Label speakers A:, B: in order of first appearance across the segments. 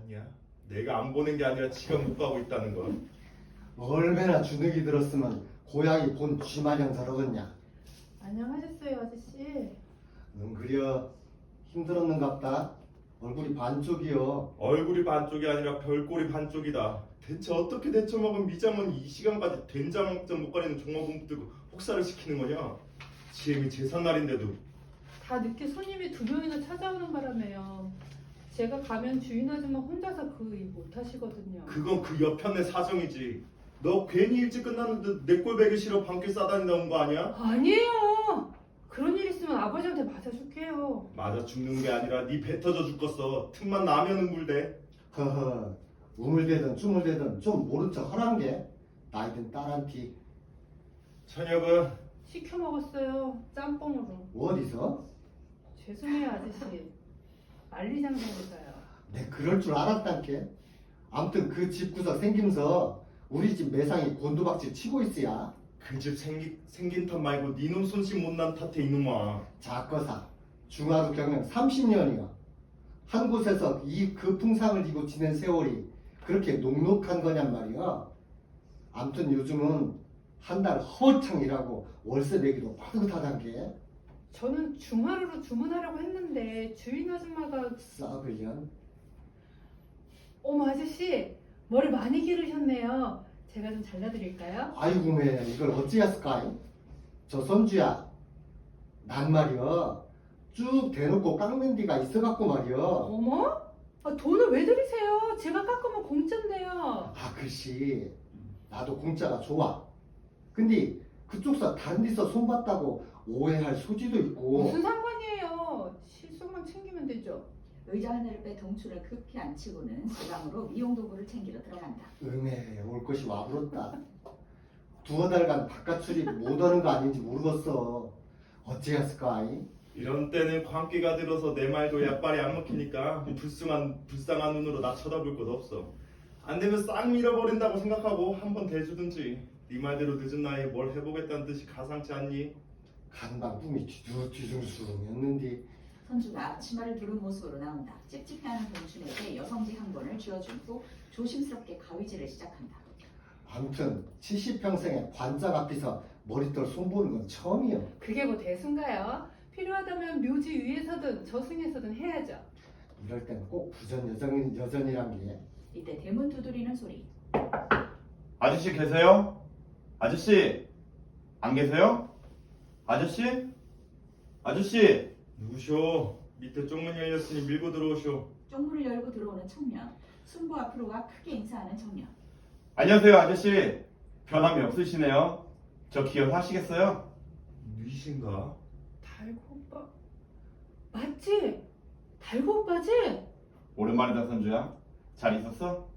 A: 봤냐? 내가 안 보는 게 아니라 지가 못 가고 있다는 거.
B: 얼마나 주눅이 들었으면 고양이 본 쥐마냥 저러겠냐.
C: 안녕하셨어요, 아저씨.
B: 넌 그려 힘들었는갑다. 얼굴이 반쪽이여.
A: 얼굴이 반쪽이 아니라 별꼴이 반쪽이다. 대체 어떻게 데쳐먹은 미장원이 이 시간까지 된장먹장 못 가리는 종업원 들고 혹사를 시키는 거냐? 지혜미 제삿날인데도.
C: 다 늦게 손님이 2명이나 찾아오는 바람에요. 제가 가면 주인 아줌마 혼자서 그 일 못하시거든요.
A: 그건 그 옆편의 사정이지. 너 괜히 일찍 끝났는데 내 꼴 배기 싫어 밤길 싸다니다 온 거 아니야?
C: 아니에요. 그런 일 있으면 아버지한테 맞아줄게요.
A: 맞아 죽는 게 아니라 네 배 터져 죽겠어. 틈만 나면은 물대.
B: 허허, 우물대든 쭈물대든 좀 모른 척 하란 게 나이든 딸한테.
A: 저녁은
C: 시켜 먹었어요. 짬뽕으로.
B: 어디서?
C: 죄송해요, 아저씨. 만리장성에서요.
B: 내 그럴 줄 알았단께. 암튼 그 집 구석 생김서 우리 집 매상이 곤두박질 치고 있어야.
A: 그 집 생긴 탓 말고 니놈 손씨 못난 탓해 이놈아.
B: 작거사 중하루 경영 30년이요. 한 곳에서 그 풍상을 이고 지낸 세월이 그렇게 녹록한 거냔 말이야. 암튼 요즘은 한 달 허창 일하고 월세 내기도 빠듯하단 게.
C: 저는 중하루로 주문하려고 했는데 주인 아줌마가
B: 썩을년.
C: 어머 아저씨 머리 많이 기르셨네요. 제가 좀 잘라드릴까요?
B: 아이고 매 이걸 어찌했을까? 저 선주야, 난 말이야 쭉 대놓고 깎는 데가 있어갖고 말이야.
C: 어머? 돈을 왜 들이세요? 제가 깎으면 공짜인데요.
B: 아 글씨 나도 공짜가 좋아. 근데 그쪽서 다른 데서 손봤다고 오해할 소지도 있고.
C: 무슨 상관이에요? 실속만 챙기면 되죠.
D: 의자 하나를 빼 동출을 급히 안 치고는 주방으로 미용 도구를 챙기러 들어간다.
B: 음에 올 것이 와불었다. 두어 달간 바깥 출입 못하는 거 아닌지 모르겠어. 어찌했을까?
A: 이런 때는 광기가 들어서 내 말도 약발이 안 먹히니까 불쌍한 눈으로 나 쳐다볼 것도 없어. 안 되면 싹 밀어버린다고 생각하고 한번 대주든지. 네 말대로 늦은 나이에 뭘 해보겠다는 뜻이 가상치 않니?
B: 간방 꿈이 뒤숭숭했는데.
D: 선주가 치마를 두른 모습으로 나온다. 찝찝해하는 동춘에게 여성지 한 권을 쥐어준 후 조심스럽게 가위질을 시작한다.
B: 아무튼 70평생에 관짝 앞에서 머리털 손보는 건 처음이요.
C: 그게 뭐 대수인가요? 필요하다면 묘지 위에서든 저승에서든 해야죠.
B: 이럴 땐 꼭 부전 여전이란 게.
D: 이때 대문 두드리는 소리.
E: 아저씨 계세요? 아저씨 안 계세요? 아저씨? 아저씨
A: 누구쇼? 밑에 쪽문 열렸으니 밀고 들어오쇼.
D: 쪽문을 열고 들어오는 청년. 순보 앞으로 가 크게 인사하는 청년.
E: 안녕하세요 아저씨 변함이 없으시네요. 저 기억하시겠어요?
A: 누이신가?
C: 달고 오빠 맞지? 달고 오빠지?
E: 오랜만이다 선주야. 잘 있었어?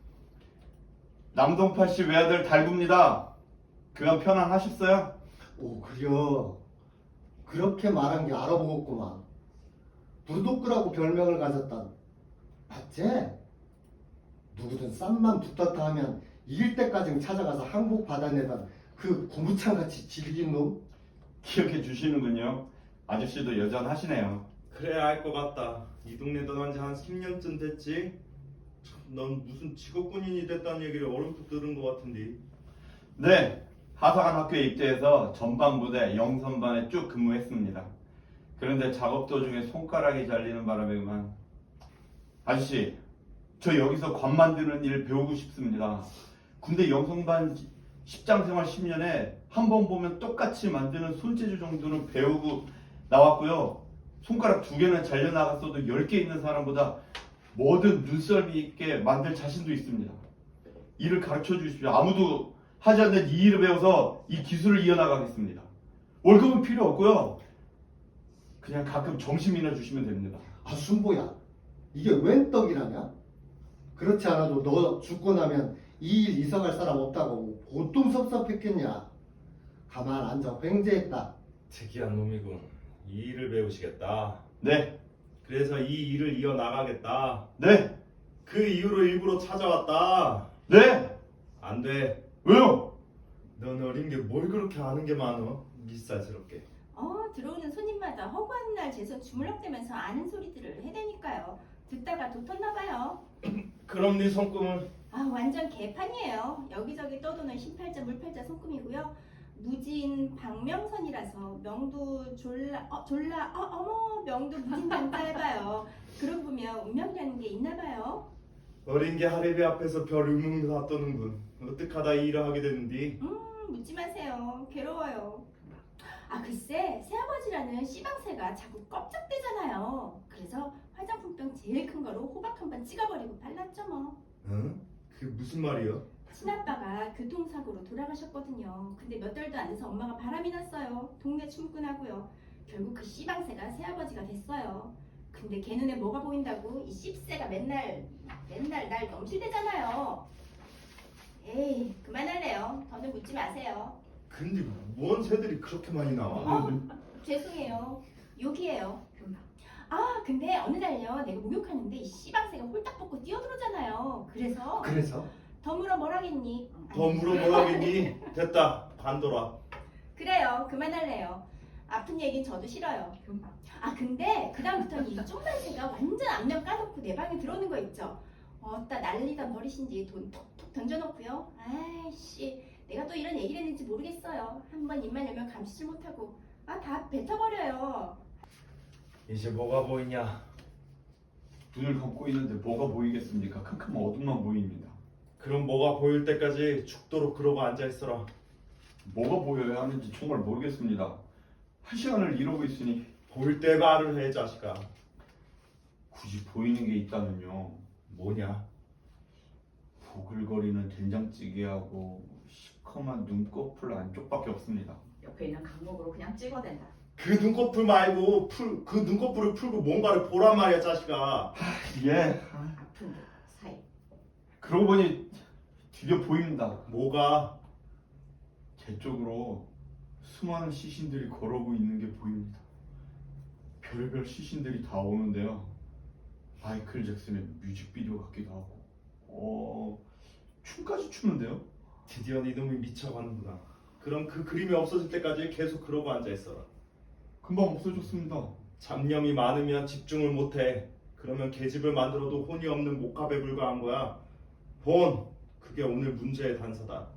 E: 남동파씨 외아들 달구입니다. 그간 편안하셨어요?
B: 오 그려. 그렇게 말한 게 알아보겠구만. 부르도끄라고 별명을 가졌던 맞지? 누구든 쌈만 붙었다 하면 이길 때까지 찾아가서 항복 받아내던 그 고무창같이 질긴 놈?
E: 기억해 주시는군요. 아저씨도 여전하시네요.
A: 그래 알 것 같다. 이 동네 떠난 지 한 10년쯤 됐지? 참, 넌 무슨 직업군인이 됐다는 얘기를 얼음풋 들은 것 같은데.
E: 네, 하사관 학교에 입대해서 전반부대 영선반에 쭉 근무했습니다. 그런데 작업 도중에 손가락이 잘리는 바람에 그만. 아저씨, 저 여기서 관 만드는 일 배우고 싶습니다. 군대 영선반 10장 생활 10년에 한 번 보면 똑같이 만드는 손재주 정도는 배우고 나왔고요. 손가락 2개는 잘려나갔어도 10개 있는 사람보다 뭐든 눈썰미 있게 만들 자신도 있습니다. 일을 가르쳐 주십시오. 아무도 하지 않는 이 일을 배워서 이 기술을 이어나가겠습니다. 월급은 필요 없고요. 그냥 가끔 점심이나 주시면 됩니다.
B: 아 순보야, 이게 웬 떡이라냐? 그렇지 않아도 너 죽고 나면 이 일 이사갈 사람 없다고 보통 섭섭했겠냐? 가만 앉아 횡재했다.
A: 특이한 놈이군. 이 일을 배우시겠다.
E: 네,
A: 그래서 이 일을 이어나가겠다.
E: 네,
A: 그 이유로 일부러 찾아왔다.
E: 네.
A: 안 돼.
E: 왜요?
A: 넌 어린 게 뭘 그렇게 아는 게 많어? 미쌀스럽게.
F: 들어오는 손님마다 허구한 날 재서 주물럭대면서 아는 소리들을 해대니까요. 듣다가 돋았나 봐요.
A: 그럼 네 손금은
F: 아, 완전 개판이에요. 여기저기 떠도는 흰팔자 물팔자 손금이고요. 무진 박명선이라서 명도 어머 명도 무진 단자해봐요. 그러고 보면 운명이라는 게 있나 봐요.
A: 어린 게 하레비 앞에서 별 의문 다 떠는군. 어떡하다 이 일을 하게 됐는디?
F: 묻지 마세요. 괴로워요. 아, 글쎄 새아버지라는 씨방새가 자꾸 껍적대잖아요. 그래서 화장품병 제일 큰 거로 호박 한 번 찍어버리고 발랐죠 뭐.
A: 응? 그게 무슨 말이야?
F: 친아빠가 교통사고로 돌아가셨거든요. 근데 몇 달도 안 돼서 엄마가 바람이 났어요. 동네 춤꾼하고요. 결국 그 씨방새가 새아버지가 됐어요. 근데 걔 눈에 뭐가 보인다고 이 씹새가 맨날 날 넘실대잖아요. 에이, 그만할래요. 더는 묻지 마세요.
A: 근데 뭔 새들이 그렇게 많이 나와?
F: 죄송해요. 욕이에요. 아, 근데 어느 날요 내가 목욕하는데 이 씨방새가 홀딱 벗고 뛰어들어오잖아요. 그래서 더 물어 뭐라겠니?
A: 더 물어보라겠니? 됐다. 관둬라.
F: 그래요. 그만할래요. 아픈 얘긴 저도 싫어요. 아, 근데 그다음부터는 이 쫑만새가 완전 앞면 까놓고 내 방에 들어오는 거 있죠. 어따 난리던 버리신지 돈 톡톡 던져놓고요. 아이씨, 내가 또 이런 얘기를 했는지 모르겠어요. 한번 입만 열면 감시질 못하고 다 뱉어버려요.
A: 이제 뭐가 보이냐?
E: 눈을 감고 있는데 뭐가 보이겠습니까? 캄캄한 어둠만 보입니다.
A: 그럼 뭐가 보일 때까지 죽도록 그러고 앉아있어라.
E: 뭐가 보여야 하는지 정말 모르겠습니다. 한 시간을 이러고 있으니
A: 보일 때 말을 해, 자식아.
E: 굳이 보이는 게 있다면요.
A: 뭐냐?
E: 보글거리는 된장찌개하고 시커먼 눈꺼풀 안쪽밖에 없습니다.
D: 옆에 있는 강목으로 그냥 찍어댄다.
A: 그 눈꺼풀 말고 그 눈꺼풀을 풀고 뭔가를 보란 말이야, 자식아.
E: 예.
D: 아픈 듯 사이.
E: 그러고 보니 드디어 보입니다.
A: 뭐가?
E: 제 쪽으로 수많은 시신들이 걸어오고 있는 게 보입니다. 별의별 시신들이 다 오는데요. 마이클 잭슨의 뮤직비디오 같기도 하고 춤까지 추는데요.
A: 드디어 네 놈이 미쳐가는구나. 그럼 그 그림이 없어질 때까지 계속 그러고 앉아있어라.
E: 금방 없어졌습니다.
A: 잡념이 많으면 집중을 못해. 그러면 계집을 만들어도 혼이 없는 목합에 불과한 거야. 본, 그게 오늘 문제의 단서다.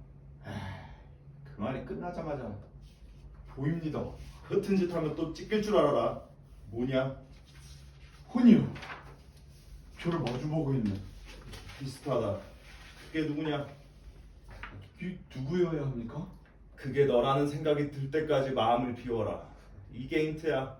E: 그 말이 끝나자마자 보입니다.
A: 허튼 짓 하면 또 찢길 줄 알아라. 뭐냐?
E: 혼이요. 저를 마주보고 있네.
A: 비슷하다. 그게 누구냐?
E: 이게 누구여야 합니까?
A: 그게 너라는 생각이 들 때까지 마음을 비워라. 이게 힌트야.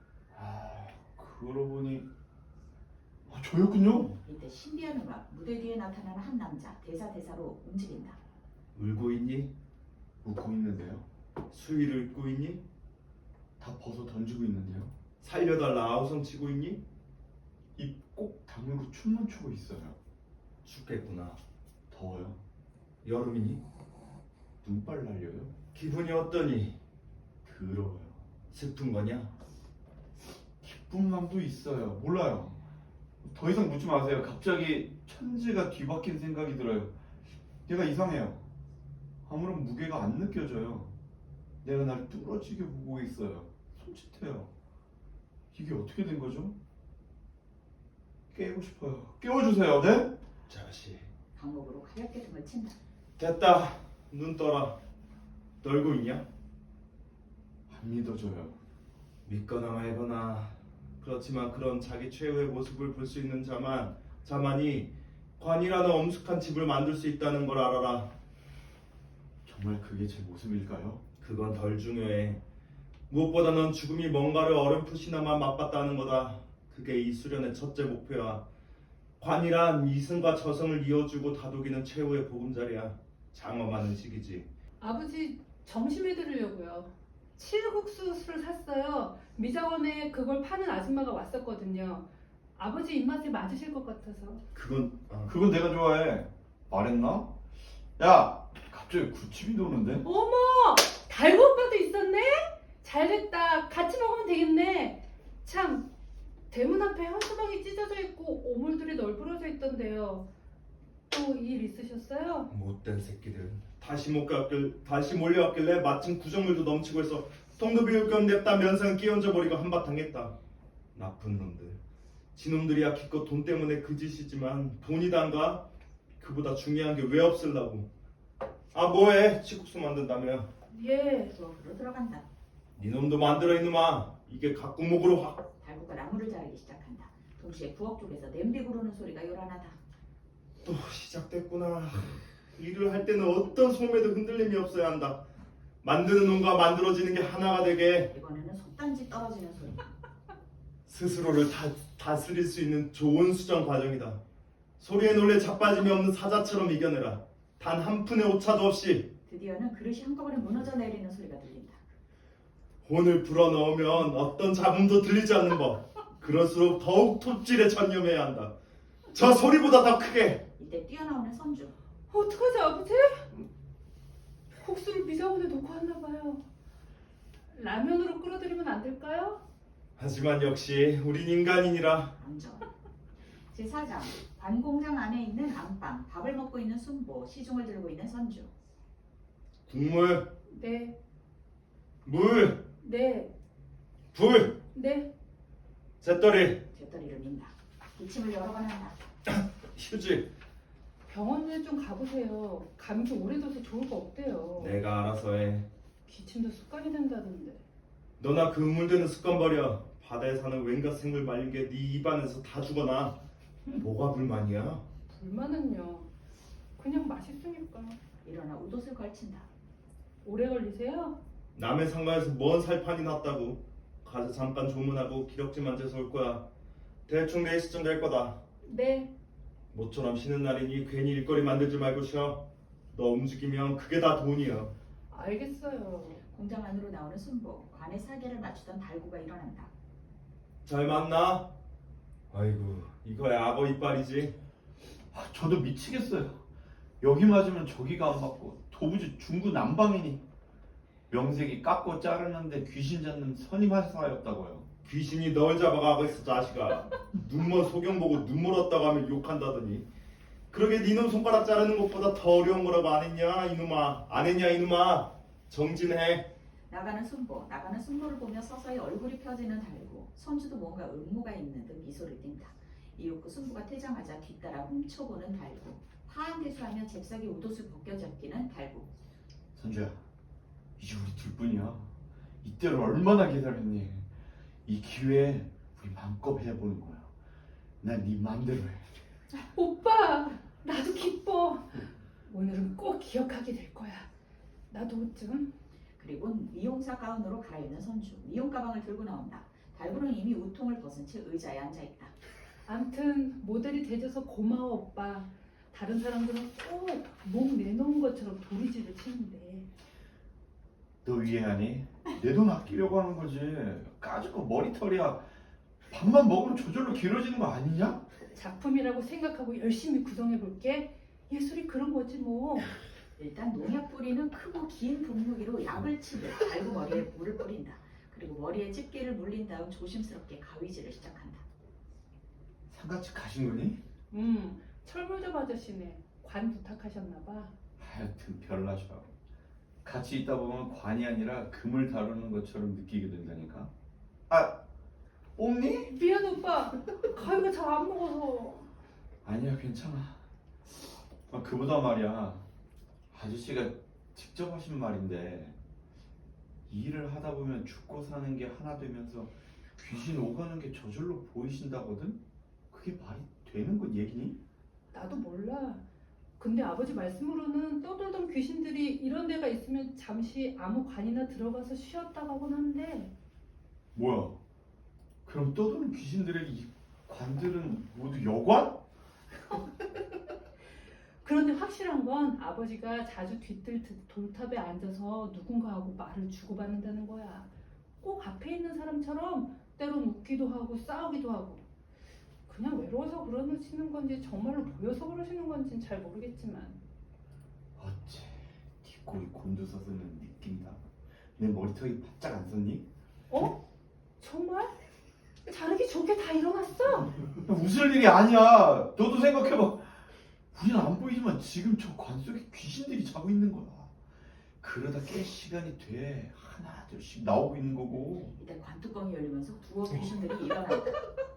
E: 그러고 보니 저였군요.
D: 이때 신비한 음악, 무대 뒤에 나타나는 한 남자, 대사로 움직인다.
A: 울고 있니?
E: 웃고 있는데요.
A: 수위를 읽고 있니?
E: 다 벗어 던지고 있는데요.
A: 살려달라 아우성 치고 있니?
E: 입 꼭 다물고 춤만 추고 있어요.
A: 춥겠구나.
E: 더워요.
A: 여름이니?
E: 눈발 날려요.
A: 기분이 어떠니?
E: 더러워요.
A: 슬픈 거냐?
E: 기쁜 마음도 있어요. 몰라요. 더 이상 묻지 마세요. 갑자기 천지가 뒤바뀐 생각이 들어요. 내가 이상해요. 아무런 무게가 안 느껴져요. 내가 날 뚫어지게 보고 있어요. 손짓해요. 이게 어떻게 된 거죠? 깨고 싶어요. 깨워주세요. 네?
A: 자식.
D: 강목으로 가볍게 등을 친다.
A: 됐다. 눈 떠라. 떨고 있냐?
E: 안 믿어져요.
A: 믿거나 말거나. 그렇지만 그런 자기 최후의 모습을 볼 수 있는 자만이 관이라는 엄숙한 집을 만들 수 있다는 걸 알아라.
E: 정말 그게 제 모습일까요?
A: 그건 덜 중요해. 무엇보다 넌 죽음이 뭔가를 어렴풋이나마 맛봤다는 거다. 그게 이 수련의 첫째 목표야. 관이란 이승과 저승을 이어주고 다독이는 최후의 보금자리야. 장엄한 의식이지.
C: 아버지 점심에 드리려고요. 칠국수를 샀어요. 미자원에 그걸 파는 아줌마가 왔었거든요. 아버지 입맛에 맞으실 것 같아서.
E: 그건 내가 좋아해. 말했나? 야! 갑자기 구침이 도는데?
C: 어머! 달고 오빠도 있었네? 잘됐다. 같이 먹으면 되겠네. 참, 대문 앞에 현수막이 찢어져 있고 오물들이 널브러져 있던데요. 또 일 있으셨어요?
A: 못된 새끼들. 다시 몰려왔길래 마침 구정물도 넘치고 해서 통도 비울 겸 냅다 면상 끼얹어 버리고 한바탕 했다. 나쁜 놈들. 지놈들이야 기껏 돈 때문에 그 짓이지만 돈이 단가? 그보다 중요한 게 왜 없을라고. 아 뭐해? 치국수 만든다며.
C: 예.
D: 부엌으로 들어간다.
A: 니놈도 만들어 이놈아. 이게 각구목으로 확.
D: 달구가 나무를 자르기 시작한다. 동시에 부엌 쪽에서 냄비 구르는 소리가 요란하다.
A: 또 시작됐구나. 일을 할 때는 어떤 소매도 흔들림이 없어야 한다. 만드는 놈과 만들어지는 게 하나가 되게
D: 이번에는 속단지 떨어지는 소리.
A: 스스로를 다스릴 수 있는 좋은 수정 과정이다. 소리에 놀래 자빠짐이 없는 사자처럼 이겨내라. 단 한 푼의 오차도 없이.
D: 드디어는 그릇이 한꺼번에 무너져 내리는 소리가 들린다.
A: 혼을 불어넣으면 어떤 잡음도 들리지 않는 법. 그럴수록 더욱 톱질에 전념해야 한다. 저 소리보다 더 크게.
D: 이때 뛰어나오는 선주.
C: 어떡하지 아버지? 국수를 미자원에 놓고 왔나 봐요. 라면으로 끓여드리면 안 될까요?
A: 하지만 역시 우린 인간이니라.
D: 암전. 제4장. 관공장 안에 있는 안방. 밥을 먹고 있는 순보. 시중을 들고 있는 선주.
A: 국물,
C: 네,
A: 물,
C: 네,
A: 불,
C: 네.
A: 잿더리,
D: 잿더리를 민다. 기침을 여러 번 한다.
A: 휴지.
C: 병원에 좀 가보세요. 감기 오래 둬서 좋을 거 없대요.
A: 내가 알아서 해.
C: 기침도 습관이 된다던데.
A: 너나 그 우물대는 습관 버려. 바다에 사는 웬갓 생물 말린 게 네 입안에서 다 죽어나. 뭐가 불만이야?
C: 불만은요. 그냥 맛있으니까.
D: 일어나 웃옷을 걸친다.
C: 오래 걸리세요?
A: 남의 상가에서 뭔 살판이 났다고. 가서 잠깐 조문하고 기럭지만 재서 올 거야. 대충 4시쯤 될 거다.
C: 네.
A: 모처럼 쉬는 날이니 괜히 일거리 만들지 말고 쉬어. 너 움직이면 그게 다 돈이야.
C: 알겠어요.
D: 공장 안으로 나오는 순보. 관에 사계를 맞추던 달구가 일어난다.
A: 잘 맞나? 아이고 이거야 악어 이빨이지.
E: 저도 미치겠어요. 여기 맞으면 저기가 안 맞고 도무지 중구난방이니. 명색이 깎고 자르는데 귀신 잡는 선임하사였다고요.
A: 귀신이 널 잡아가고 있어 자식아. 눈먼 소경 보고 눈물 없다고 하면 욕한다더니. 그러게 니놈 손가락 자르는 것보다 더 어려운 거라고 안 했냐 이놈아. 안 했냐 이놈아. 정진해.
D: 나가는 순보를 보며 서서히 얼굴이 펴지는 달구. 선주도 뭔가 음모가 있는 듯 미소를 띈다. 이윽고 순보가 퇴장하자 뒤따라 훔쳐보는 달구. 파한대수하며 잽싸게 웃옷을 벗겨잡기는 달구.
E: 선주야, 이제 우리 둘뿐이야. 이때를 얼마나 기다렸니? 이 기회에 우리 마음껏 해보는 거야. 난 네 맘대로 해.
C: 오빠, 나도 기뻐. 오늘은 꼭 기억하게 될 거야. 나도 옷 좀.
D: 그리고 미용사 가운으로 갈아입는 선주. 미용 가방을 들고 나온다. 달구는 이미 우통을 벗은 채 의자에 앉아있다.
C: 암튼 모델이 돼줘서 고마워 오빠. 다른 사람들은 꼭 몸 내놓은 것처럼 도리지를 치는데.
E: 너 이해하니? 내 돈 아끼려고 하는 거지. 까짓거 머리털이야. 밥만 먹으면 저절로 길어지는 거 아니냐?
C: 작품이라고 생각하고 열심히 구성해볼게. 예술이 그런 거지 뭐.
D: 일단 농약 뿌리는 크고 긴 분무기로 약을 치듯 달구 머리에 물을 뿌린다. 그리고 머리에 집게를 물린 다음 조심스럽게 가위질을 시작한다.
E: 상가집 가신 거니?
C: 철물점 아저씨네. 관 부탁하셨나봐.
E: 하여튼 별나셔. 같이 있다 보면 관이 아니라 금을 다루는 것처럼 느끼게 된다니까. 아, 옴니?
C: 미안 오빠. 가위가 잘 안 먹어서.
E: 아니야, 괜찮아. 그보다 말이야. 아저씨가 직접 하신 말인데 이 일을 하다 보면 죽고 사는 게 하나 되면서 귀신 오가는 게 저절로 보이신다거든? 그게 말이 되는 건 얘기니?
C: 나도 몰라. 근데 아버지 말씀으로는 떠돌던 귀신들이 이런 데가 있으면 잠시 아무 관이나 들어가서 쉬었다고 하곤 한데.
E: 뭐야? 그럼 떠도는 귀신들의 이 관들은 모두 여관?
C: 그런데 확실한 건 아버지가 자주 뒤뜰 돌탑에 앉아서 누군가하고 말을 주고받는다는 거야. 꼭 앞에 있는 사람처럼 때론 웃기도 하고 싸우기도 하고. 그냥 외로워서 그러시는 건지 정말로 보여서 그러시는 건지는 잘 모르겠지만.
E: 어째 뒷골이 곤두서서는 느낀다. 내 머리털이 바짝 안 섰니?
C: 어? 정말? 자르기 좋게 다 일어났어?
E: 웃을 일이 아니야. 너도 생각해봐. 우리는 안 보이지만 지금 저 관 속에 귀신들이 자고 있는 거야. 그러다 깰 시간이 돼 하나 둘씩 나오고 있는 거고.
D: 이때 관뚜껑이 열리면서 두어 귀신들이 일어난다.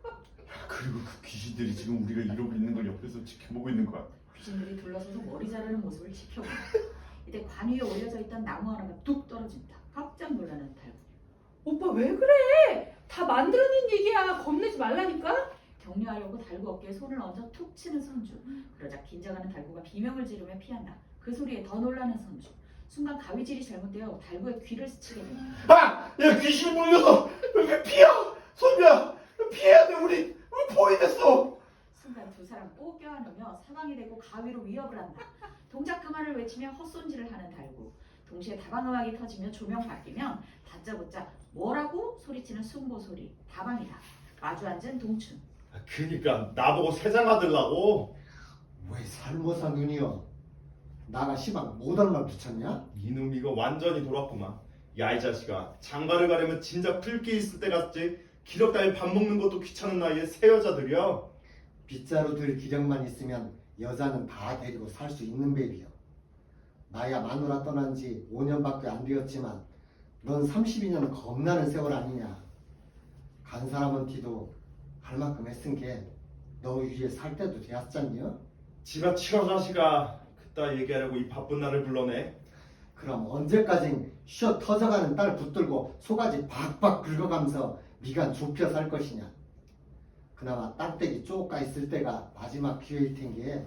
E: 그리고 그 귀신들이 지금 우리가 이러고 있는 걸 옆에서 지켜보고 있는 거야.
D: 귀신들이 둘러서서 머리 자르는 모습을 지켜본다. 이때 관 위에 올려져 있던 나무 하나가 뚝 떨어진다. 깜짝 놀라는 달구.
C: 오빠 왜 그래? 다 만들어낸 얘기야. 겁내지 말라니까.
D: 격려하려고 달구 어깨에 손을 얹어 툭 치는 선주. 그러자 긴장하는 달구가 비명을 지르며 피한다. 그 소리에 더 놀라는 선주. 순간 가위질이 잘못되어 달구의 귀를 스치게 된다.
E: 아! 야 귀신 물려서 왜 피야? 선배야 피해야 돼 우리 포위됐어.
D: 순간 두 사람 꼭 껴안으며 사방이 되고 가위로 위협을 한다. 동작 그만을 외치며 헛손질을 하는 달구. 동시에 다방음악이 터지며 조명 바뀌면 다짜고짜 뭐라고 소리치는 순보 소리. 다방이다. 마주 앉은 동춘.
A: 그니까 나보고 세장아 들라고.
B: 왜 살모사 눈이여? 나가 시방 못 얼마 붙였냐?
A: 이놈 이거 완전히 돌았구만. 야 이 자식아, 장가를 가려면 진작 풀기 있을 때 갔지. 기력 따위 밥 먹는 것도 귀찮은 나이에 새 여자들이여.
B: 빗자루 들 기력만 있으면 여자는 다 데리고 살 수 있는 법이여. 나야 마누라 떠난 지 5년밖에 안 되었지만 넌 32년 겁나는 세월 아니냐. 간 사람은 티도 할 만큼 했은 게 너 위에 살 때도 되었잖여.
A: 지가 치러 자식아. 그따 얘기하려고 이 바쁜 날을 불러내.
B: 그럼 언제까지 쉬어 터져가는 딸 붙들고 소가지 박박 긁어가면서 미간 좁혀 살 것이냐. 그나마 땅떼기 쪼까 있을 때가 마지막 기회일 텐게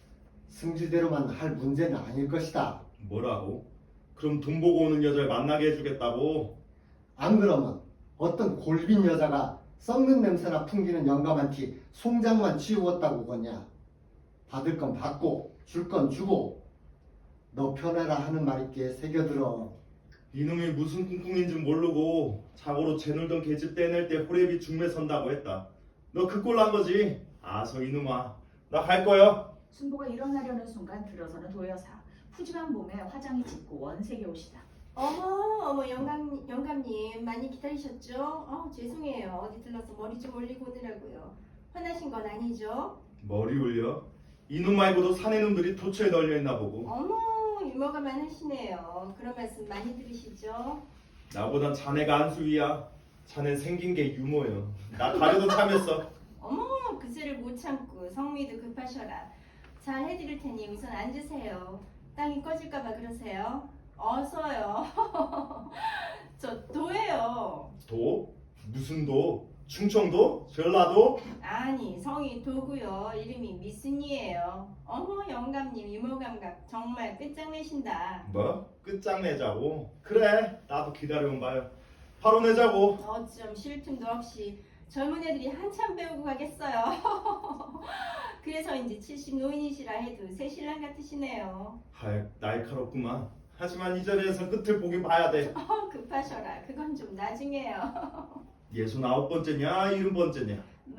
B: 승질대로만 할 문제는 아닐 것이다.
A: 뭐라고? 그럼 돈 보고 오는 여자를 만나게 해주겠다고?
B: 안 그러면 어떤 골빈 여자가 썩는 냄새나 풍기는 영감한 티 송장만 치우었다고 거냐. 받을 건 받고 줄 건 주고 너 편해라 하는 말있기에 새겨들어.
A: 이놈이 무슨 꿍꿍인지 모르고 자고로 재놀던 계집 떼낼 때 호랩이 중매 선다고 했다. 너 그 꼴 난 거지? 아서 이놈아, 나 갈 거야.
D: 순보가 일어나려는 순간 들어서는 도여사. 푸짐한 몸에 화장이 짙고 원색의 옷이다.
F: 어머 영감님 많이 기다리셨죠? 죄송해요. 어디 들러서 머리 좀 올리고 오느라고요. 화나신 건 아니죠?
A: 머리 올려? 이놈 말고도 사내 놈들이 도처에 널려있나 보고.
F: 어머 유머가 많으시네요. 그런 말씀 많이 들으시죠?
A: 나보단 자네가 안수위야. 자넨 생긴 게 유머여. 나 가려도 참였어.
F: 어머 그새를 못 참고 성미도 급하셔라. 잘 해드릴 테니 우선 앉으세요. 땅이 꺼질까봐 그러세요? 어서요. 저 도예요.
A: 도? 무슨 도? 충청도? 전라도?
F: 아니 성이 도고요. 이름이 미순이에요. 어머 영감님 유머감각 정말 끝장내신다.
A: 뭐? 끝장내자고? 그래, 나도 기다려온 바요. 바로 내자고.
F: 어쩜 쉴 틈도 없이 젊은 애들이 한참 배우고 가겠어요. 그래서인지 70 노인이시라 해도 새 신랑 같으시네요.
A: 할 날카롭구만. 하지만 이 자리에서 끝을 보긴 봐야 돼.
F: 급하셔라. 그건 좀 나중에요.
A: 69번째냐 70번째냐.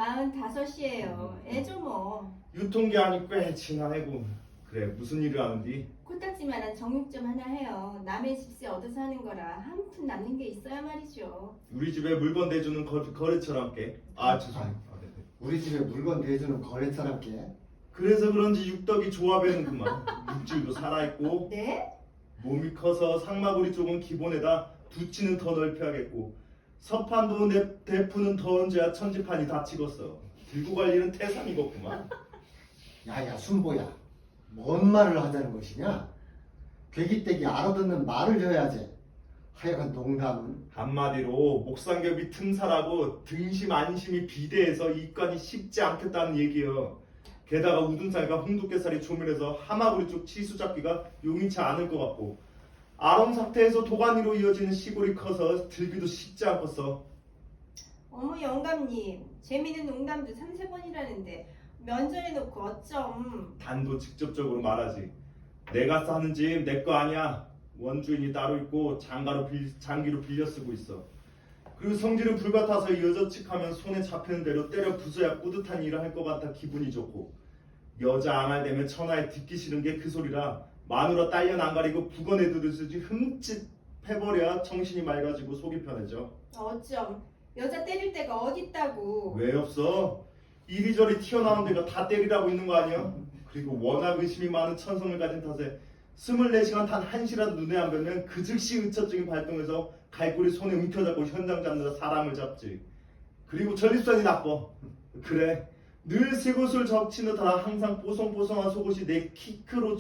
F: 45이에요. 애죠 뭐.
A: 유통기한이 꽤 지난 해고. 그래, 무슨 일을 하는디?
F: 코딱지만한 정육점 하나 해요. 남의 집세 얻어서 하는 거라 한 푼 남는 게 있어야 말이죠.
A: 우리 집에 물건 대주는 거래처럼 께. 죄송합니다. 네.
B: 우리 집에 물건 대주는 거래처랍게.
A: 그래서 그런지 육덕이 좋아 보이는구만. 육질도 살아있고
F: 네?
A: 몸이 커서 상마구리 쪽은 기본에다 두치는 더 넓혀야겠고 서판도 대푸는 더 얹어야 천지판이 다 찍었어. 들고 갈 일은 태산이겠구만.
B: 야야 순보야, 뭔 말을 하자는 것이냐? 괴기떼기 알아듣는 말을 해야지. 하여간 농담은.
A: 한마디로 목삼겹이 틈사라고 등심 안심이 비대해서 입관이 쉽지 않겠다는 얘기여. 게다가 우둔살과 홍두깨살이 조밀해서 하마구리 쪽 치수 잡기가 용이치 않을 것 같고 아롱 상태에서 도가니로 이어지는 시골이 커서 들기도 쉽지 않겠어.
F: 어머 영감님 재미있는 농담도 3-4번이라는데 면전해놓고 어쩜.
A: 단도 직접적으로 말하지. 내가 사는 집 내 거 아니야. 원주인이 따로 있고 장기로 빌려 쓰고 있어. 그리고 성질은 불같아서 여자측하면 손에 잡히는 대로 때려 부숴야 뿌듯한 일을 할 것 같아 기분이 좋고 여자 앙알대면 천하에 듣기 싫은 게 그 소리라 마누라 딸년 안 가리고 북언에 들으시지 흠칫 해버려야 정신이 맑아지고 속이 편해져.
F: 어쩜 여자 때릴 데가 어딨다고.
A: 왜 없어? 이리저리 튀어나온 데가 다 때리라고 있는 거 아니야? 그리고 워낙 의심이 많은 천성을 가진 탓에 24시간 단 1시라도 눈에 안 뵈면 그 즉시 의처증이 발동해서 갈고리 손에 움켜잡고 현장 잡느라 사람을 잡지. 그리고 전립선이 나빠. 그래. 늘 새곳을 적치는 다 항상 뽀송뽀송한 속옷이 내 키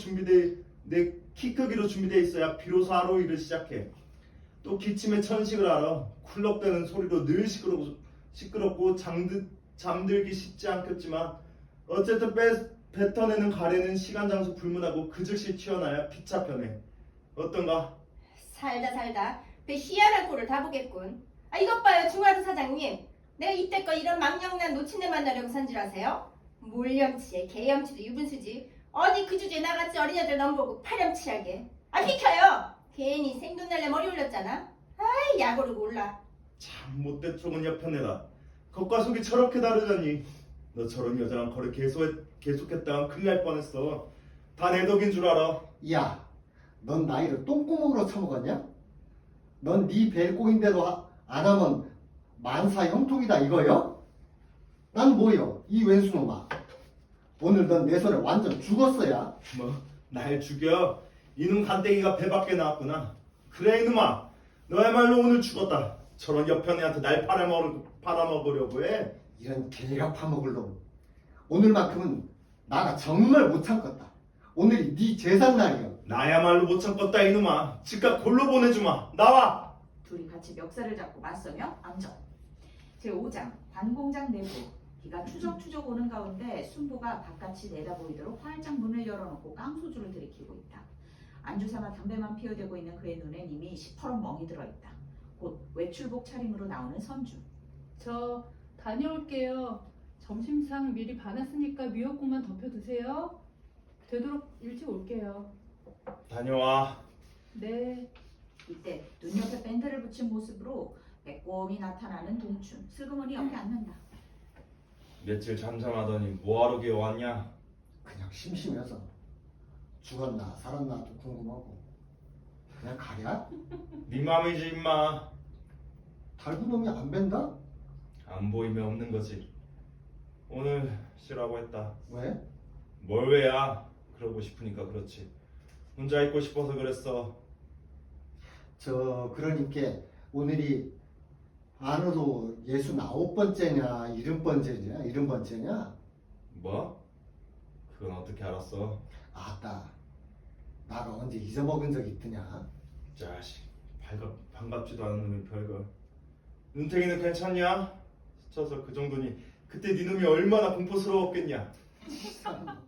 A: 크기로 준비돼 있어야 비로소 하루 일을 시작해. 또 기침의 천식을 알아. 쿨럭대는 소리로 늘 시끄럽고 잠들기 쉽지 않겠지만 어쨌든 뱉어내는 가래는 시간 장소 불문하고 그 즉시 튀어나야 피차 편해. 어떤가?
F: 살다 배 희한한 꼴을 다 보겠군. 아 이것 봐요 중화도 사장님. 내가 이때껏 이런 망령난 노친네 만나려고 산 줄 아세요? 몰염치에 개염치도 유분수지. 어디 그 주제에 나같이 어린애들 넘보고 파렴치하게. 아 비켜요. 괜히 생돈 날래 머리 올렸잖아. 아이 약오르고 올라.
A: 참 못돼 좁은 여편애다. 겉과 속이 저렇게 다르다니. 너 저런 여자랑 거래 계속했다간 큰일 날 뻔했어. 다 내 덕인 줄 알아.
B: 야, 넌 나이를 똥구멍으로 처먹었냐? 넌 네 벨꼬인대로 안 하면 만사 형통이다 이거요? 난 뭐요? 이 왼수놈아. 오늘 넌 내 손에 완전 죽었어야.
A: 뭐 날 죽여? 이놈 간땡이가 배 밖에 나왔구나. 그래 이놈아, 너야말로 오늘 죽었다. 저런 여편애한테 날 팔아먹으려고 해.
B: 이런 개가 파먹을 놈. 오늘만큼은 나가 정말 못 참겠다. 오늘이 네 제삿 날이여.
A: 나야말로 못 참겠다 이놈아. 즉각 골로 보내주마. 나와.
D: 둘이 같이 멱살을 잡고 맞서며 앉아. 제5장 관공장 내부. 비가 추적추적 오는 가운데 순보가 바깥이 내다보이도록 활짝 문을 열어놓고 깡소주를 들이키고 있다. 안주삼아 담배만 피어대고 있는 그의 눈엔 이미 시퍼런 멍이 들어있다. 곧 외출복 차림으로 나오는 선주.
C: 저 다녀올게요. 점심상 미리 봐놨으니까 미역국만 덮여 드세요. 되도록 일찍 올게요.
A: 다녀와.
C: 네.
D: 이때 눈옆에 밴드를 붙인 모습으로 빼꼼히 나타나는 동춘. 슬그머니 옆에 앉는다.
A: 며칠 잠잠하더니 뭐하러 기어왔냐?
B: 그냥 심심해서 죽었나 살았나도 궁금하고. 그냥 가랴?
A: 네 맘이지 임마.
B: 달구놈이 안 벤다?
A: 안 보이면 없는 거지. 오늘 쉬라고 했다.
B: 왜?
A: 뭘 왜야? 그러고 싶으니까 그렇지. 혼자 있고 싶어서 그랬어.
B: 그러니까 오늘이 안으로 69번째냐 70번째냐?
A: 뭐? 그건 어떻게 알았어?
B: 아따, 나가 언제 잊어먹은 적 있더냐?
A: 자식, 반갑지도 않은 놈이 별걸. 눈탱이는 괜찮냐? 스쳐서 그 정도니 그때 네 놈이 얼마나 공포스러웠겠냐?
B: 참.